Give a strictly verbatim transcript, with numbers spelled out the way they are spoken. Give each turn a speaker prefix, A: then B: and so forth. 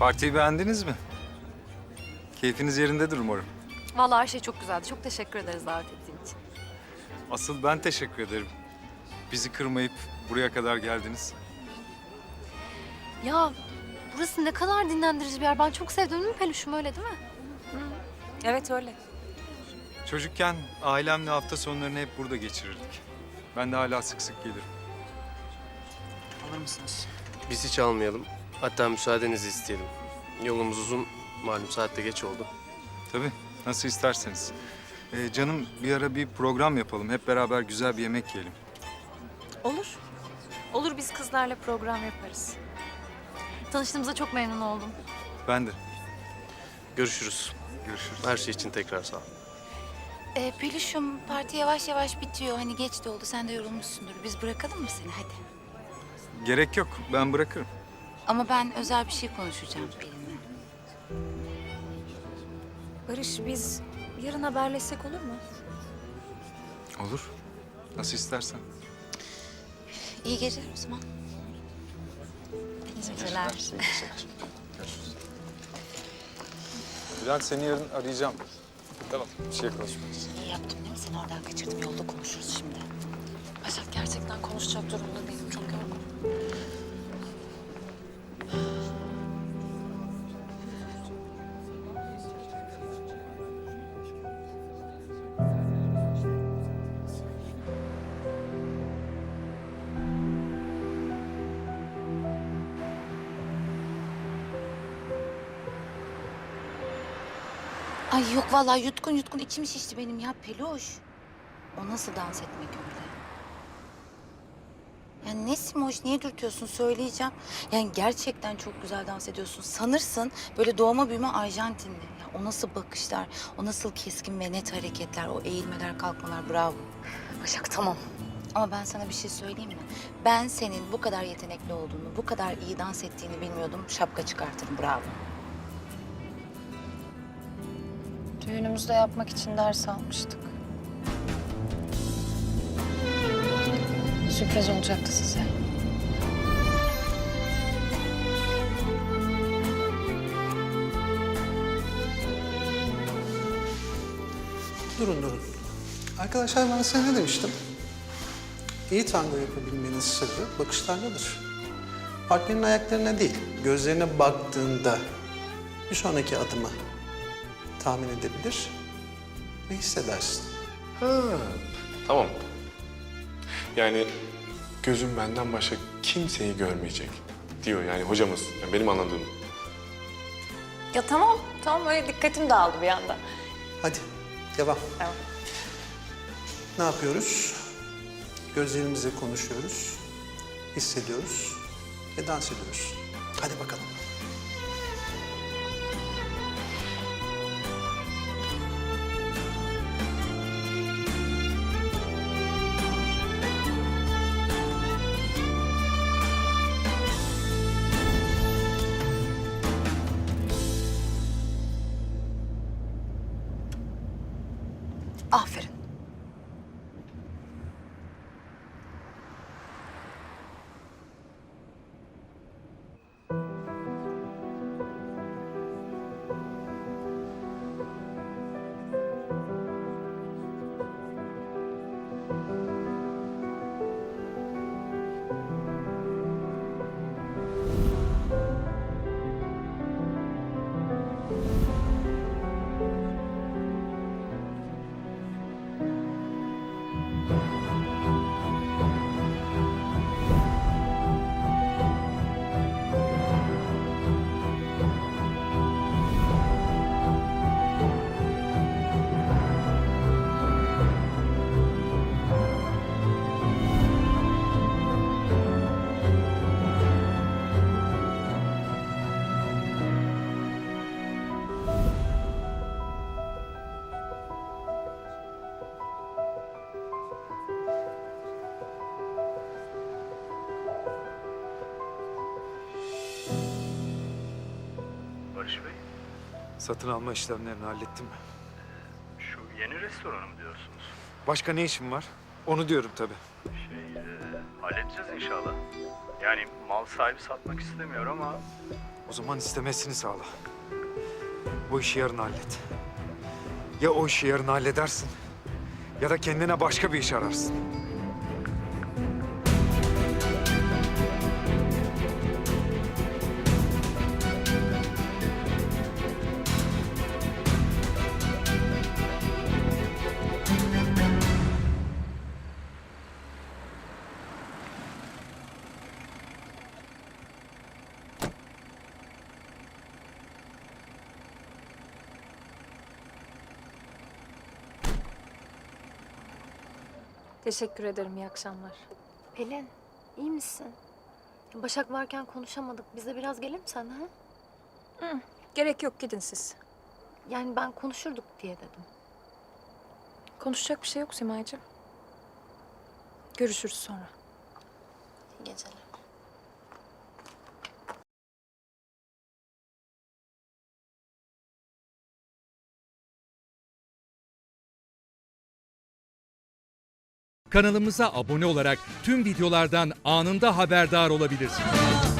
A: Partiyi beğendiniz mi? Keyfiniz yerindedir umarım.
B: Vallahi her şey çok güzeldi. Çok teşekkür ederiz davet ettiğin için.
A: Asıl ben teşekkür ederim. Bizi kırmayıp buraya kadar geldiniz.
B: Ya burası ne kadar dinlendirici bir yer. Ben çok sevdim değil mi Peluş'um, öyle değil mi?
C: Evet öyle.
A: Çocukken ailemle hafta sonlarını hep burada geçirirdik. Ben de hala sık sık gelirim.
D: Alır mısınız?
E: Biz hiç almayalım. Hatta müsaadenizi isteyelim. Yolumuz uzun. Malum saatte geç oldu.
A: Tabii, nasıl isterseniz. Ee, canım bir ara bir program yapalım. Hep beraber güzel bir yemek yiyelim.
C: Olur. Olur, biz kızlarla program yaparız.
B: Tanıştığımıza çok memnun oldum.
A: Ben de.
E: Görüşürüz.
A: Görüşürüz.
E: Her şey için tekrar sağ ol.
F: Ee, Peluş'um, parti yavaş yavaş bitiyor. Hani geç de oldu, sen de yorulmuşsundur. Biz bırakalım mı seni? Hadi.
A: Gerek yok, ben bırakırım.
F: Ama ben özel bir şey konuşacağım Pelin'le.
C: Barış, biz yarın haberleşsek olur mu?
A: Olur. Nasıl istersen.
F: İyi geceler o zaman.
C: İyi geceler.
A: Bülent seni yarın arayacağım. Tamam, bir şey konuşmayacağız.
F: İyi yaptım değil mi? Seni oradan kaçırdım. Yolda konuşuruz şimdi.
C: Başak, gerçekten konuşacak durumda değilim. Çok yorgunum.
F: Ay yok vallahi yutkun yutkun içim şişti benim ya Peluş. O nasıl dans etmek öyle? Ya ne Simoş, niye dürtüyorsun söyleyeceğim. Yani gerçekten çok güzel dans ediyorsun. Sanırsın böyle doğma büyüme Arjantinli. Ya o nasıl bakışlar, o nasıl keskin ve net hareketler, o eğilmeler kalkmalar, bravo. Başak tamam. Ama ben sana bir şey söyleyeyim mi? Ben senin bu kadar yetenekli olduğunu, bu kadar iyi dans ettiğini bilmiyordum. Şapka çıkartırım, bravo.
C: Düğünümüzde yapmak için ders almıştık. Sürpriz olacaktı size.
D: Durun durun. Arkadaşlar ben size ne demiştim? İyi tango yapabilmenin sırrı bakışlardadır. Partnerin ayaklarına değil, gözlerine baktığında bir sonraki adımı tahmin edebilir ve hissedersin.
G: Ha, tamam. Yani gözüm benden başka kimseyi görmeyecek diyor yani hocamız. Yani benim anladığım.
C: Ya tamam, tamam, öyle dikkatim dağıldı bir anda.
D: Hadi devam.
C: Tamam.
D: Ne yapıyoruz? Gözlerimizle konuşuyoruz, hissediyoruz ve dans ediyoruz. Hadi bakalım.
F: Aferin.
H: Barış Bey,
A: Satın alma işlemlerini hallettin mi?
H: şu yeni restoranı mı diyorsunuz?
A: Başka ne işin var? Onu diyorum tabii.
H: Şey, e, halledeceğiz inşallah. Yani mal sahibi satmak istemiyor ama
I: O zaman istemesini sağla. Bu işi yarın hallet. Ya o işi yarın halledersin ya da kendine başka bir iş ararsın.
C: Teşekkür ederim, iyi akşamlar.
B: Pelin, iyi misin? Başak varken konuşamadık. Biz de biraz gelir mi sen ha?
C: Gerek yok, gidin siz.
B: Yani ben konuşurduk diye dedim.
C: Konuşacak bir şey yok Simay'cığım. Görüşürüz sonra.
F: İyi geceler.
J: Kanalımıza abone olarak tüm videolardan anında haberdar olabilirsiniz.